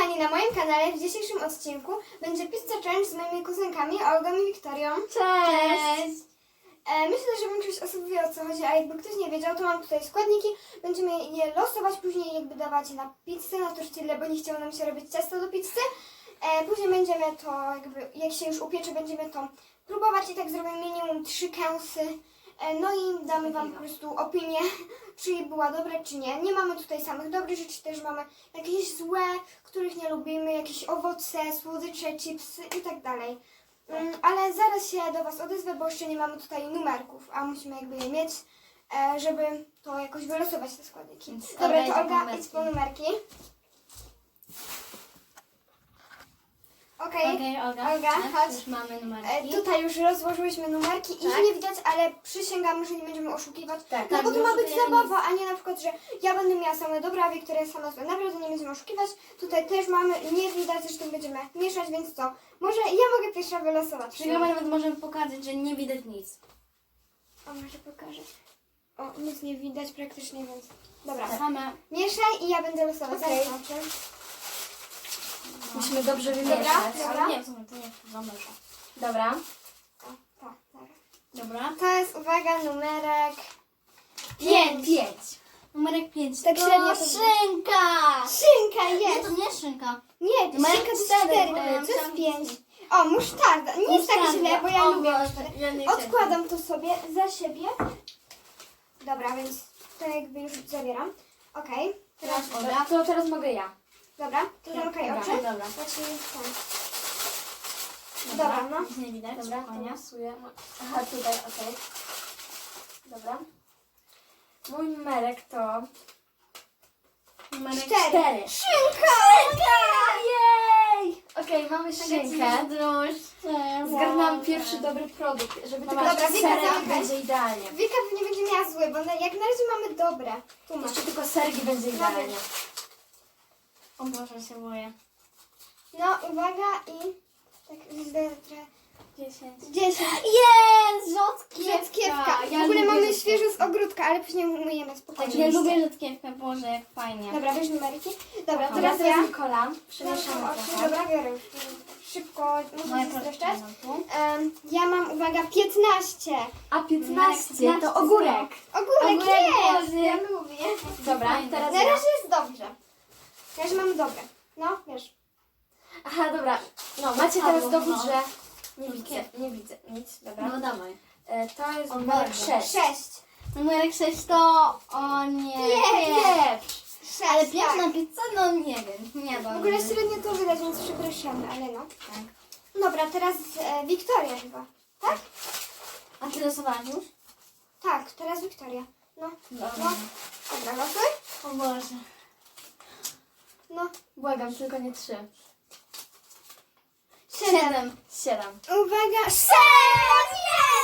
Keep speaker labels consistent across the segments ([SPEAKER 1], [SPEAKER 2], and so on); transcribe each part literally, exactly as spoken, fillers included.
[SPEAKER 1] kochani, na moim kanale w dzisiejszym odcinku będzie pizza challenge z moimi kuzynkami Olgą i Wiktorią.
[SPEAKER 2] Cześć!
[SPEAKER 1] E, myślę, że większość osób wie, o co chodzi, a jakby ktoś nie wiedział, to mam tutaj składniki. Będziemy je losować, później jakby dawać na pizzę, na tortillę, bo nie chciało nam się robić ciasto do pizzy. E, później będziemy to jakby, jak się już upiecze, będziemy to próbować i tak zrobimy minimum trzy kęsy. E, no i damy wam po prostu opinię, czy była dobra, czy nie. Nie mamy tutaj samych dobrych rzeczy, też mamy jakieś złe, których nie lubimy, jakieś owoce, słodycze, chipsy i tak dalej. Um, ale zaraz się do was odezwę, bo jeszcze nie mamy tutaj numerków, a musimy jakby je mieć, e, żeby to jakoś wylosować te składniki.
[SPEAKER 2] Więc
[SPEAKER 1] Dobra,
[SPEAKER 2] Olga
[SPEAKER 1] to
[SPEAKER 2] idzie po
[SPEAKER 1] Olga,
[SPEAKER 2] numerki.
[SPEAKER 1] idź po numerki. Okej,
[SPEAKER 2] Okej, Olga,
[SPEAKER 1] Olga,
[SPEAKER 2] tak,
[SPEAKER 1] chodź.
[SPEAKER 2] już mamy
[SPEAKER 1] E,
[SPEAKER 2] numerki.
[SPEAKER 1] tutaj już rozłożyłyśmy numerki.
[SPEAKER 2] Tak.
[SPEAKER 1] Ich nie widać, ale przysięgamy, że nie będziemy oszukiwać.
[SPEAKER 2] Tak,
[SPEAKER 1] no
[SPEAKER 2] tak,
[SPEAKER 1] bo to ma być
[SPEAKER 2] oszukujemy
[SPEAKER 1] zabawa, a nie na przykład, że ja będę miała same dobre, a Wiktoria sama złe. Naprawdę nie będziemy oszukiwać. Tutaj też mamy, nie widać, zresztą będziemy mieszać, więc co? Może ja mogę pierwsza wylosować.
[SPEAKER 2] Czyli nawet możemy pokazać, że nie widać nic.
[SPEAKER 1] O, może pokażę. O, nic nie widać praktycznie, więc... Dobra,
[SPEAKER 2] Same.
[SPEAKER 1] mieszaj i ja będę losować.
[SPEAKER 2] Okej.
[SPEAKER 1] Zaraz zobaczę.
[SPEAKER 2] Musimy dobrze
[SPEAKER 1] Dobra,
[SPEAKER 2] wymieszać.
[SPEAKER 1] dobra.
[SPEAKER 2] Ale nie, w sumie to nie zamierza. Dobra,
[SPEAKER 1] O, to, dobra.
[SPEAKER 2] dobra.
[SPEAKER 1] To jest, uwaga, numerek...
[SPEAKER 2] Pięć. Pięć. Numerek pięć.
[SPEAKER 1] Tak
[SPEAKER 2] to
[SPEAKER 1] średnio to-
[SPEAKER 2] szynka!
[SPEAKER 1] Szynka
[SPEAKER 2] Nie,
[SPEAKER 1] jest!
[SPEAKER 2] to nie szynka.
[SPEAKER 1] Nie, to
[SPEAKER 2] Numerek
[SPEAKER 1] szynka to jest
[SPEAKER 2] cztery,
[SPEAKER 1] cztery,
[SPEAKER 2] bo
[SPEAKER 1] to
[SPEAKER 2] ja
[SPEAKER 1] jest
[SPEAKER 2] myślałam,
[SPEAKER 1] pięć.
[SPEAKER 2] że-
[SPEAKER 1] O, musztarda. Nie jest tak
[SPEAKER 2] Musztarda.
[SPEAKER 1] źle, bo ja
[SPEAKER 2] O
[SPEAKER 1] lubię
[SPEAKER 2] Boże,
[SPEAKER 1] musztardę.
[SPEAKER 2] ja nie chcę.
[SPEAKER 1] Odkładam to sobie za siebie. Dobra, więc to jakby już zabieram. Okej, teraz...
[SPEAKER 2] Dobra, to teraz mogę ja.
[SPEAKER 1] Dobra, to zamykaj
[SPEAKER 2] Dobra,
[SPEAKER 1] oczy.
[SPEAKER 2] dobra.
[SPEAKER 1] Zacznij ten. Dobra, no.
[SPEAKER 2] Nic nie widać,
[SPEAKER 3] Dobra, to
[SPEAKER 2] spokojnie.
[SPEAKER 3] losuję. Aha, tutaj, okej. Dobra. Mój numerek to...
[SPEAKER 2] Numerek
[SPEAKER 1] Cztery.
[SPEAKER 2] cztery.
[SPEAKER 1] Szynka!
[SPEAKER 3] Jej! Okej, mamy szynkę.
[SPEAKER 2] Drożdże.
[SPEAKER 3] Zgarnęłam pierwszy dobry produkt, żeby tylko
[SPEAKER 1] Dobra,
[SPEAKER 3] jeszcze
[SPEAKER 1] Wika,
[SPEAKER 3] serek
[SPEAKER 1] zamykaj.
[SPEAKER 3] będzie idealnie.
[SPEAKER 1] Wika pewnie będzie miała zły, bo na, jak na razie mamy dobre. Tu masz.
[SPEAKER 3] Jeszcze tylko serki będzie idealnie.
[SPEAKER 2] O Boże, się boję.
[SPEAKER 1] No, uwaga i... Tak, źle trochę.
[SPEAKER 2] Dziesięć.
[SPEAKER 1] Dziesięć.
[SPEAKER 2] Jest! Rzodkiewka!
[SPEAKER 1] Rzodkiewka.
[SPEAKER 2] Ja
[SPEAKER 1] W ogóle
[SPEAKER 2] lubię
[SPEAKER 1] mamy
[SPEAKER 2] rzodkiewkę.
[SPEAKER 1] świeżo z ogródka, ale później umyjemy
[SPEAKER 2] Tak,
[SPEAKER 1] spokojnie.
[SPEAKER 2] ja lubię rzodkiewkę, Boże, jak fajnie.
[SPEAKER 1] Dobra, weź numerki. Dobra,
[SPEAKER 3] Dobra,
[SPEAKER 1] teraz
[SPEAKER 3] teraz
[SPEAKER 1] ja.
[SPEAKER 3] Nikola.
[SPEAKER 1] Zamknę
[SPEAKER 3] Przemieszamy
[SPEAKER 1] oczy.
[SPEAKER 3] trochę.
[SPEAKER 1] Dobra, biorę już. Szybko,
[SPEAKER 2] Moje
[SPEAKER 1] muszę się
[SPEAKER 2] proszę.
[SPEAKER 1] streszczać. Um, ja mam, uwaga, piętnaście.
[SPEAKER 3] A piętnaście to ogórek.
[SPEAKER 1] Ogórek
[SPEAKER 2] Ogórek
[SPEAKER 1] jest!
[SPEAKER 2] Boży.
[SPEAKER 1] Ja lubię.
[SPEAKER 3] Dobra,
[SPEAKER 2] Fajne.
[SPEAKER 3] teraz
[SPEAKER 1] Na
[SPEAKER 3] ja.
[SPEAKER 1] razie jest dobrze. Na razie mam dobre. No, wiesz.
[SPEAKER 3] Aha, dobra. No, macie
[SPEAKER 2] Padło,
[SPEAKER 3] teraz dowód,
[SPEAKER 2] no.
[SPEAKER 3] że nie widzę, nie widzę nic. Dobra.
[SPEAKER 2] No dawaj.
[SPEAKER 3] E, to jest
[SPEAKER 2] O,
[SPEAKER 3] numer
[SPEAKER 2] bardzo.
[SPEAKER 3] sześć.
[SPEAKER 1] Sześć.
[SPEAKER 2] Numerek sześć to... O nie.
[SPEAKER 3] Pieprz.
[SPEAKER 1] Sześć,
[SPEAKER 2] Ale piękna
[SPEAKER 1] tak.
[SPEAKER 2] pizza? No nie wiem. Nie
[SPEAKER 1] W
[SPEAKER 2] wiem.
[SPEAKER 1] ogóle średnio to widać, więc przepraszamy, ale no.
[SPEAKER 2] Tak.
[SPEAKER 1] Dobra, teraz e, Wiktoria chyba. Tak?
[SPEAKER 2] A ty losowałaś już?
[SPEAKER 1] Tak, teraz Wiktoria. No.
[SPEAKER 2] Dobra.
[SPEAKER 1] No. Dobra, losuj.
[SPEAKER 2] O Boże.
[SPEAKER 1] No.
[SPEAKER 3] Błagam, tylko nie trzy.
[SPEAKER 1] Siedem.
[SPEAKER 2] Siedem.
[SPEAKER 3] Siedem.
[SPEAKER 1] Uwaga, sześć!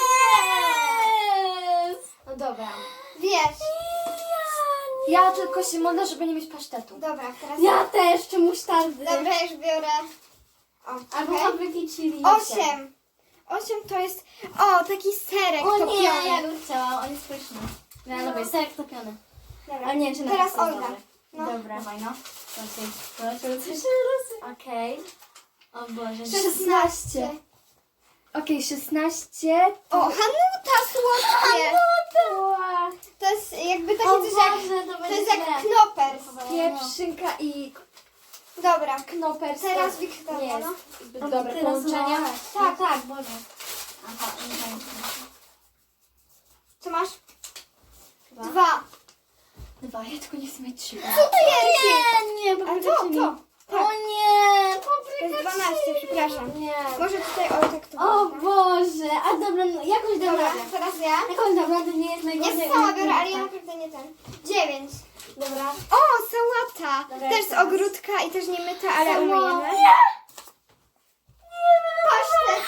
[SPEAKER 2] Jest!
[SPEAKER 3] No dobra.
[SPEAKER 1] Wiesz.
[SPEAKER 3] Ja tylko się modlę, żeby nie mieć pasztetu.
[SPEAKER 1] Dobra, teraz
[SPEAKER 2] Ja też, czy musztardy.
[SPEAKER 1] Dobra, już biorę. O,
[SPEAKER 2] Albo
[SPEAKER 1] okej.
[SPEAKER 2] fabryki chili.
[SPEAKER 1] Osiem. Osiem to jest... O, taki serek
[SPEAKER 2] O
[SPEAKER 1] topiony.
[SPEAKER 2] nie, ja bym chciała, on jest pyszny. Ja
[SPEAKER 1] No.
[SPEAKER 2] lubię, serek topiony.
[SPEAKER 1] Dobra.
[SPEAKER 2] Ale nie, czy na
[SPEAKER 1] Teraz
[SPEAKER 2] pewno jest
[SPEAKER 1] Olga.
[SPEAKER 2] dobry.
[SPEAKER 1] No.
[SPEAKER 3] Dobra.
[SPEAKER 2] Dawaj no. Proszę, proszę, proszę.
[SPEAKER 3] Okej.
[SPEAKER 2] O Boże,
[SPEAKER 1] szesnaście.
[SPEAKER 3] Okej, szesnaście.
[SPEAKER 1] O, Hanuta słodkie.
[SPEAKER 3] Ła.
[SPEAKER 1] To jest jakby taki
[SPEAKER 2] O
[SPEAKER 1] coś
[SPEAKER 2] Boże,
[SPEAKER 1] jak...
[SPEAKER 2] to
[SPEAKER 1] To
[SPEAKER 2] będzie
[SPEAKER 1] jest jak
[SPEAKER 2] źle.
[SPEAKER 1] knopers.
[SPEAKER 3] Pieprz, szynka i
[SPEAKER 1] Dobra.
[SPEAKER 3] knopers.
[SPEAKER 1] Teraz
[SPEAKER 3] to
[SPEAKER 1] Wiktoria,
[SPEAKER 3] nie jest
[SPEAKER 1] no.
[SPEAKER 3] zbyt
[SPEAKER 2] O,
[SPEAKER 3] dobre
[SPEAKER 2] ty
[SPEAKER 3] połączenie.
[SPEAKER 2] losowałaś.
[SPEAKER 1] Tak.
[SPEAKER 2] No tak, Boże. Aha, nie wiem.
[SPEAKER 1] Co masz?
[SPEAKER 2] Dwa.
[SPEAKER 1] Dwa.
[SPEAKER 3] Dwa, ja tylko nie chcę mieć trzy.
[SPEAKER 1] Co to jest?
[SPEAKER 2] Nie, nie,
[SPEAKER 1] A
[SPEAKER 2] papryka
[SPEAKER 1] to,
[SPEAKER 2] chili.
[SPEAKER 1] to. Tak.
[SPEAKER 2] O nie,
[SPEAKER 1] To
[SPEAKER 2] papryka
[SPEAKER 1] jest dwanaście, przepraszam.
[SPEAKER 3] Nie.
[SPEAKER 1] Może tutaj o tak to
[SPEAKER 2] O
[SPEAKER 1] wygląda.
[SPEAKER 2] Boże, a dobra, no, jakąś dam
[SPEAKER 1] Dobra,
[SPEAKER 2] radę.
[SPEAKER 1] teraz ja.
[SPEAKER 2] Jakąś dam radę, nie jest najgorzej.
[SPEAKER 1] Ja sama biorę, ale ja naprawdę nie ten. Dziewięć.
[SPEAKER 3] Dobra.
[SPEAKER 1] O, sałata.
[SPEAKER 3] Dobra,
[SPEAKER 1] Też z
[SPEAKER 3] teraz.
[SPEAKER 1] ogródka i też nie myta, ale
[SPEAKER 2] Sałata.
[SPEAKER 1] umyjemy.
[SPEAKER 2] Nie.
[SPEAKER 1] Pasztet.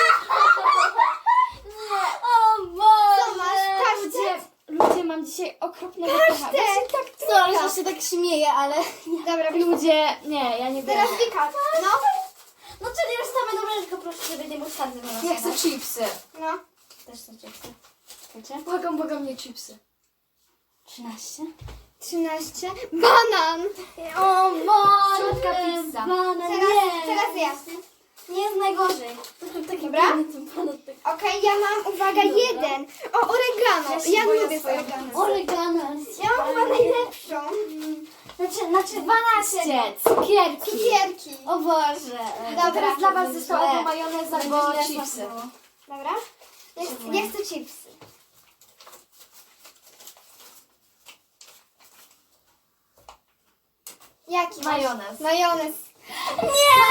[SPEAKER 2] O Boże.
[SPEAKER 1] Co masz?
[SPEAKER 3] Ludzie,
[SPEAKER 1] Pasztet.
[SPEAKER 3] ludzie, mam dzisiaj okropnego pecha.
[SPEAKER 1] Pasztet.
[SPEAKER 3] Tak,
[SPEAKER 2] Sorry, że się tak śmieję, ale...
[SPEAKER 1] Dobra,
[SPEAKER 3] ludzie, nie, ja nie
[SPEAKER 1] teraz
[SPEAKER 3] biorę.
[SPEAKER 1] Wika. No.
[SPEAKER 2] No czyli już same dobre, tylko proszę, żeby nie musztardy wylosować.
[SPEAKER 3] Ja chcę chipsy.
[SPEAKER 1] No.
[SPEAKER 2] Też chcę chipsy. Chcecie?
[SPEAKER 3] Błagam, błagam, nie chipsy.
[SPEAKER 2] trzynaście.
[SPEAKER 1] trzynaście. Banan!
[SPEAKER 2] O Boże!
[SPEAKER 3] Słodka pizza.
[SPEAKER 2] Banan,
[SPEAKER 1] Teraz,
[SPEAKER 2] nie.
[SPEAKER 1] teraz ja.
[SPEAKER 2] Nie jest najgorzej. Taki
[SPEAKER 1] Dobra?
[SPEAKER 2] biedny ten banan, tak.
[SPEAKER 1] Okej, ja mam, uwaga, jeden. O, oregano.
[SPEAKER 3] Ja się
[SPEAKER 1] Ja,
[SPEAKER 3] boję
[SPEAKER 1] lubię z
[SPEAKER 3] swojej
[SPEAKER 1] oregano.
[SPEAKER 2] Oregano.
[SPEAKER 1] Ja mam chyba najlepszą.
[SPEAKER 2] Znaczy, znaczy
[SPEAKER 3] dwanaście. Cukierki.
[SPEAKER 1] Cukierki.
[SPEAKER 2] O Boże.
[SPEAKER 1] Dobra,
[SPEAKER 3] Teraz dla was
[SPEAKER 2] źle.
[SPEAKER 3] zostało albo majonez, albo
[SPEAKER 2] Będzie źle
[SPEAKER 3] chipsy.
[SPEAKER 2] smakowało.
[SPEAKER 1] Dobra? Ja, chcę- ja chcę chipsy. Jaki? masz?
[SPEAKER 3] Majonez.
[SPEAKER 1] Majonez.
[SPEAKER 2] Nie,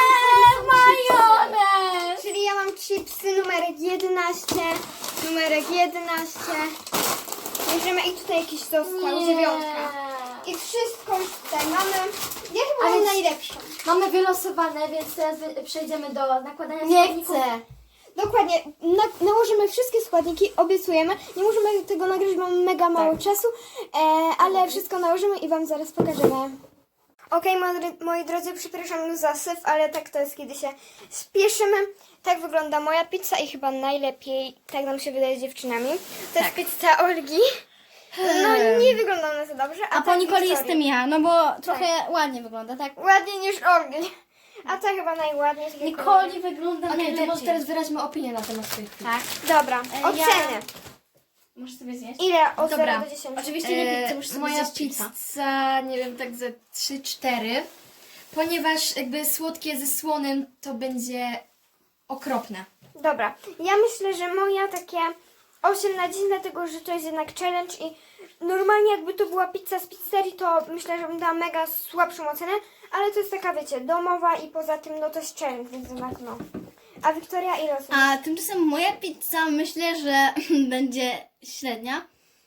[SPEAKER 2] majonez.
[SPEAKER 1] Czyli ja mam chipsy numerek jedenaście. Numerek jedenaście. Bierzemy i tutaj jakiś został, dziewiątka. I wszystko już tutaj mamy. Ja chyba
[SPEAKER 3] A
[SPEAKER 1] mam
[SPEAKER 3] więc-
[SPEAKER 1] najlepszą.
[SPEAKER 3] Mamy wylosowane, więc teraz wy- przejdziemy do nakładania
[SPEAKER 2] Nie
[SPEAKER 3] składników.
[SPEAKER 2] chcę.
[SPEAKER 1] Dokładnie, na, nałożymy wszystkie składniki, obiecujemy. Nie możemy tego nagrać, bo mamy mega mało czasu, e, ale wszystko nałożymy i Wam zaraz pokażemy. Okej, moi, moi drodzy, przepraszam za syf, ale tak to jest, kiedy się spieszymy. Tak wygląda moja pizza i chyba najlepiej, tak nam się wydaje z dziewczynami. To jest pizza Olgi. No nie wygląda ona za dobrze.
[SPEAKER 2] A po
[SPEAKER 1] tak
[SPEAKER 2] Nikoli
[SPEAKER 1] Wiktorii.
[SPEAKER 2] jestem ja, no bo trochę ładnie wygląda, tak?
[SPEAKER 1] Ładniej niż Olgi. A ta chyba najładniej. tylko-
[SPEAKER 2] Nikoli wygląda
[SPEAKER 3] Okej, to
[SPEAKER 2] najlepiej.
[SPEAKER 3] może teraz wyraźmy opinię na temat swoich pizz.
[SPEAKER 2] Tak.
[SPEAKER 1] Dobra,
[SPEAKER 2] E, ja-
[SPEAKER 1] oceny.
[SPEAKER 2] Możesz sobie zjeść?
[SPEAKER 1] Ile od
[SPEAKER 2] Dobra.
[SPEAKER 1] zera do dziesięciu?
[SPEAKER 2] Oczywiście nie pizzę, muszę sobie
[SPEAKER 4] Moja
[SPEAKER 2] zjeść chipsa.
[SPEAKER 4] pizza, nie wiem, tak ze trzy cztery. Ponieważ jakby słodkie ze słonym to będzie okropne.
[SPEAKER 1] Dobra, ja myślę, że moja takie osiem na dziesięć, dlatego że to jest jednak challenge i normalnie jakby to była pizza z pizzerii, to myślę, że bym dała mega słabszą ocenę, ale to jest taka, wiecie, domowa i poza tym no to jest challenge, więc jednak no. A Wiktoria ile osób?
[SPEAKER 2] A tymczasem moja pizza myślę, że będzie średnia.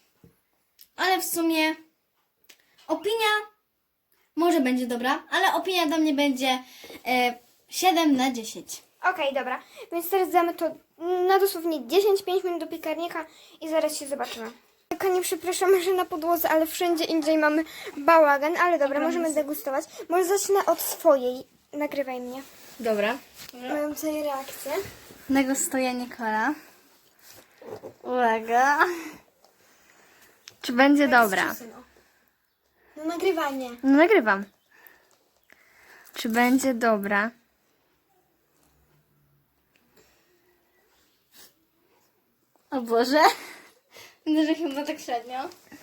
[SPEAKER 2] Ale w sumie opinia może będzie dobra, ale opinia dla mnie będzie e, siedem na dziesięć.
[SPEAKER 1] Okej, dobra, więc teraz damy to na dosłownie dziesięć pięć minut do piekarnika i zaraz się zobaczymy. Kochani, przepraszamy, że na podłodze, ale wszędzie indziej mamy bałagan, ale dobra, możemy degustować. Może zacznę od swojej. Nagrywaj mnie.
[SPEAKER 4] Dobra.
[SPEAKER 1] Mam tutaj reakcję.
[SPEAKER 2] Degustuje Nikola. Uwaga. Czy będzie dobra?
[SPEAKER 1] No nagrywanie.
[SPEAKER 2] No nagrywam. Czy będzie dobra? O Boże. Widzę, że chyba tak średnio.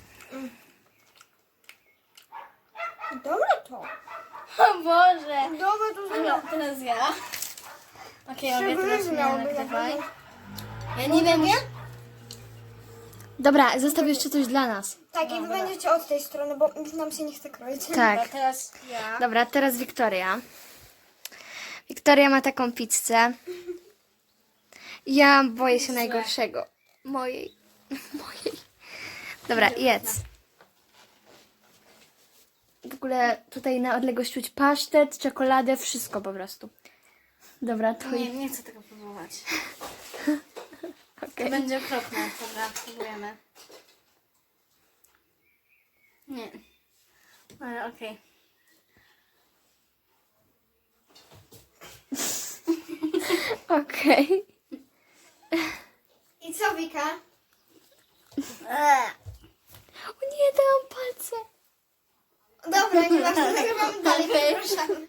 [SPEAKER 1] Dobre to.
[SPEAKER 2] O Boże.
[SPEAKER 1] Dobre to
[SPEAKER 2] No, teraz ja. Okej, okay, mogę teraz mnie
[SPEAKER 1] miałoby
[SPEAKER 2] nagrywaj.
[SPEAKER 1] tak.
[SPEAKER 2] Ja nie wiem.
[SPEAKER 1] Nie?
[SPEAKER 3] Dobra, zostaw jeszcze coś dla nas.
[SPEAKER 1] Tak, i wy będziecie od tej strony, bo już nam się nie chce kroić.
[SPEAKER 3] Tak.
[SPEAKER 2] Teraz ja.
[SPEAKER 3] Dobra, teraz Wiktoria. Wiktoria ma taką pizzę. Ja boję się najgorszego. Mojej. Mojej. Dobra, jedz. W ogóle tutaj na odległość czuć pasztet, czekoladę, wszystko po prostu. Dobra, to
[SPEAKER 2] Nie, nie chcę tego próbować. To
[SPEAKER 3] okej.
[SPEAKER 2] będzie okropne. Dobra, próbujemy. Nie. Ale okej.
[SPEAKER 3] Okej.
[SPEAKER 1] I co, Wika?
[SPEAKER 3] O nie, dałam palce.
[SPEAKER 1] Dobra, nie ważne, nagrywamy dalej,
[SPEAKER 2] Okej.
[SPEAKER 1] przepraszam.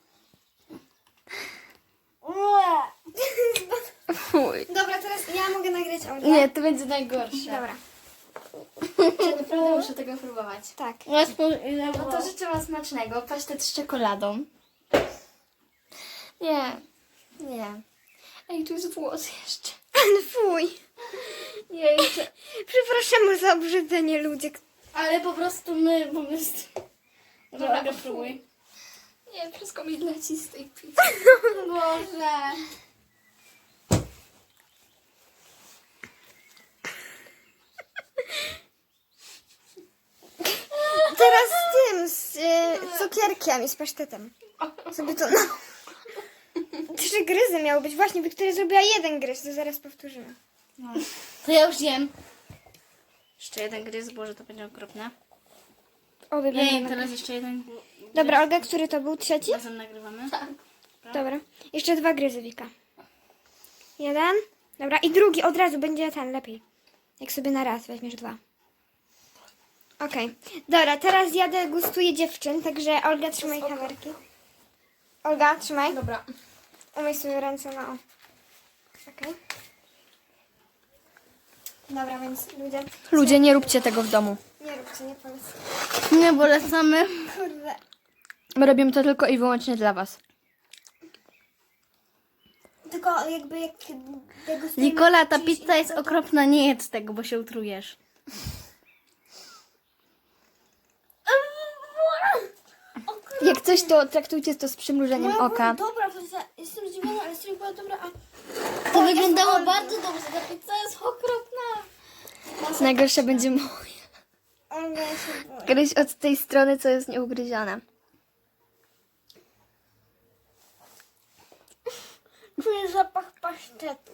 [SPEAKER 3] Fuj.
[SPEAKER 1] Dobra, teraz ja mogę nagrać Olgę.
[SPEAKER 3] Nie, to będzie najgorsze.
[SPEAKER 1] Dobra,
[SPEAKER 3] Ja naprawdę muszę tego próbować.
[SPEAKER 1] tak.
[SPEAKER 3] No to życzę wam smacznego. Pasztet z czekoladą. Nie, nie. Ej, tu jest włos jeszcze.
[SPEAKER 1] Ale fuj.
[SPEAKER 3] Nie, jeszcze.
[SPEAKER 1] Przepraszamy za obrzydzenie ludzie.
[SPEAKER 2] Ale po prostu my po prostu. Dobra, Aga, próbuj.
[SPEAKER 3] Nie, wszystko mi leci z tej pizzy.
[SPEAKER 2] Boże.
[SPEAKER 1] Teraz z tym, z y, cukierkiem i z pasztetem. Sobie to na... Trzy gryzy miały być. Właśnie, Wiktoria zrobiła jeden gryz, to zaraz powtórzymy.
[SPEAKER 2] To ja już jem. Jeszcze jeden gryz, Boże, to będzie okropne.
[SPEAKER 1] Obie
[SPEAKER 2] Jej,
[SPEAKER 1] będą.
[SPEAKER 2] teraz jeszcze jeden.
[SPEAKER 1] Dobra, Olga, który to był? Trzeci?
[SPEAKER 2] Razem nagrywamy.
[SPEAKER 1] Dobra. Jeszcze dwa gryzy, Wika. Jeden. Dobra, i drugi od razu będzie ten lepiej. Jak sobie na raz weźmiesz dwa. Okej. Dobra, teraz ja degustuję dziewczyn, także Olga, trzymaj kamerki. Olga, trzymaj.
[SPEAKER 4] Dobra.
[SPEAKER 1] Umyj sobie ręce na o. Okej. Dobra, więc ludzie,
[SPEAKER 3] Ludzie, nie róbcie tego w domu.
[SPEAKER 1] nie róbcie, nie polecam.
[SPEAKER 2] Nie polecamy.
[SPEAKER 1] Kurde.
[SPEAKER 3] My robimy to tylko i wyłącznie dla was.
[SPEAKER 1] Tylko jakby jak degustujemy...
[SPEAKER 2] Nikola, ta
[SPEAKER 1] czyjś
[SPEAKER 2] pizza jest
[SPEAKER 1] inny, to-
[SPEAKER 2] okropna, nie jedz tego, bo się utrujesz.
[SPEAKER 3] Jak coś, to traktujcie to z przymrużeniem oka.
[SPEAKER 1] Dobra, to ja jestem zdziwiona, ale serio była dobra, a...
[SPEAKER 2] To wyglądało bardzo dobrze, ta pizza jest okropna.
[SPEAKER 3] Najgorsze będzie moje.
[SPEAKER 1] Olga, ja się boję.
[SPEAKER 3] Gryź od tej strony, co jest nieugryzione.
[SPEAKER 1] Czuję zapach pasztetu.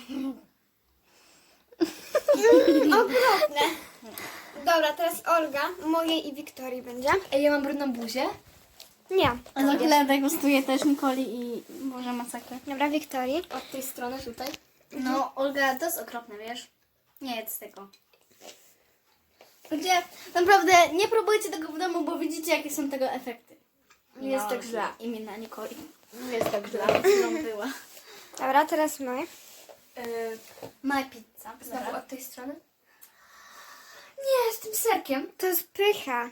[SPEAKER 1] Okropne. Dobra, teraz Olga, mojej i Wiktorii będzie.
[SPEAKER 4] Ej, ja mam brudną buzię.
[SPEAKER 1] Nie.
[SPEAKER 2] A za chwilę degustuję też Nikoli i może masakrę.
[SPEAKER 1] Dobra, Wiktorii.
[SPEAKER 4] Od tej strony tutaj.
[SPEAKER 2] No, Olga, to jest okropne, wiesz? Nie jedz tego. Ludzie, naprawdę nie próbujcie tego w domu, bo widzicie, jakie są tego efekty.
[SPEAKER 4] Nie jest tak źle.
[SPEAKER 2] Imienia Nikoli.
[SPEAKER 4] Nie jest tak źle.
[SPEAKER 2] Którą była.
[SPEAKER 1] Dobra, teraz my.
[SPEAKER 4] Yy,
[SPEAKER 2] My pizza.
[SPEAKER 4] znowu
[SPEAKER 2] Dobra.
[SPEAKER 4] od tej strony. Nie, z tym serkiem.
[SPEAKER 1] To jest pycha.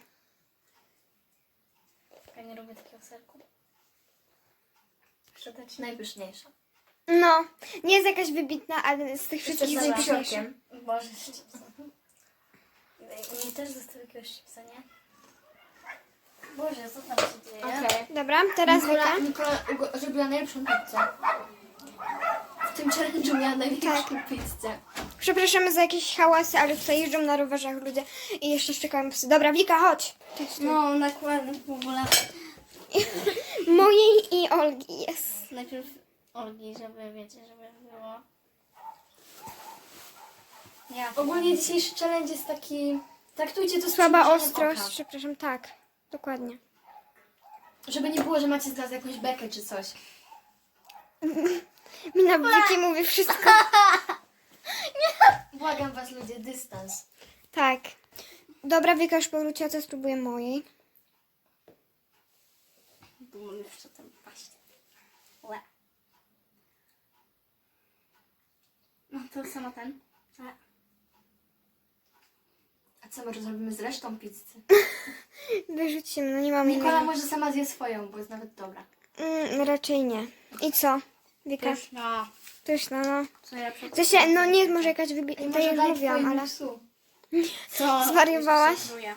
[SPEAKER 2] Ja nie lubię takiego serku.
[SPEAKER 4] Muszę dać najpyszniejsza.
[SPEAKER 1] No, nie jest jakaś wybitna, ale z tych wszystkich
[SPEAKER 4] Jeszcze z
[SPEAKER 1] najpyszniejsza.
[SPEAKER 4] psiorkiem.
[SPEAKER 2] Boże, z chipsem. Mi też został jakiegoś chipsa, nie? Boże, co tam się dzieje?
[SPEAKER 4] Okej.
[SPEAKER 1] Dobra, teraz
[SPEAKER 4] Nikola,
[SPEAKER 1] Wika.
[SPEAKER 4] Nikola ugo- zrobiła najlepszą pizzę. W tym challenge'u miała najlepszą pizzę.
[SPEAKER 1] Przepraszamy za jakieś hałasy, ale tutaj jeżdżą na rowerzach ludzie i jeszcze szczekają psy. Dobra, Wika, chodź.
[SPEAKER 2] No, nakładam w ogóle.
[SPEAKER 1] Mojej i Olgi jest.
[SPEAKER 2] Najpierw Olgi, żeby wiecie, żeby było. Ja.
[SPEAKER 4] Ogólnie dzisiejszy challenge jest taki... Traktujcie to z
[SPEAKER 1] Słaba
[SPEAKER 4] przymrużeniem
[SPEAKER 1] ostrość,
[SPEAKER 4] oka.
[SPEAKER 1] przepraszam, tak. Dokładnie.
[SPEAKER 4] Żeby nie było, że macie z nas jakąś bekę czy coś.
[SPEAKER 1] Mina Wiki mówi wszystko.
[SPEAKER 4] Błagam was ludzie, dystans.
[SPEAKER 1] Tak. Dobra, Wika już powróciła, to spróbuję mojej.
[SPEAKER 2] Bo mam jeszcze tam paść. Łe. No to samo ten. A.
[SPEAKER 4] A co my zrobimy z resztą pizzy?
[SPEAKER 1] Wyrzucimy, no nie mam
[SPEAKER 4] Nikola
[SPEAKER 1] innej.
[SPEAKER 4] może sama zje swoją, bo jest nawet dobra.
[SPEAKER 1] Mm, raczej nie. I co? Wika?
[SPEAKER 2] No.
[SPEAKER 1] Pyszna, no.
[SPEAKER 2] Co ja przed...
[SPEAKER 1] W sensie, no nie jest może jakaś wybitna,
[SPEAKER 4] Ej,
[SPEAKER 1] tak
[SPEAKER 4] może
[SPEAKER 1] jak
[SPEAKER 4] daj
[SPEAKER 1] mówiłam,
[SPEAKER 4] twojemu
[SPEAKER 1] ale...
[SPEAKER 4] psu.
[SPEAKER 2] Co?
[SPEAKER 1] Zwariowałaś?
[SPEAKER 2] Jeszcze się czuję.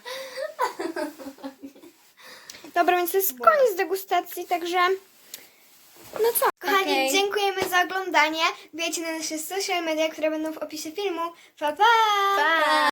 [SPEAKER 1] Dobra, więc to jest koniec degustacji, także... No co? Kochani,
[SPEAKER 2] Okej.
[SPEAKER 1] dziękujemy za oglądanie. Wbijajcie na nasze social media, które będą w opisie filmu. Pa, pa!
[SPEAKER 2] Pa!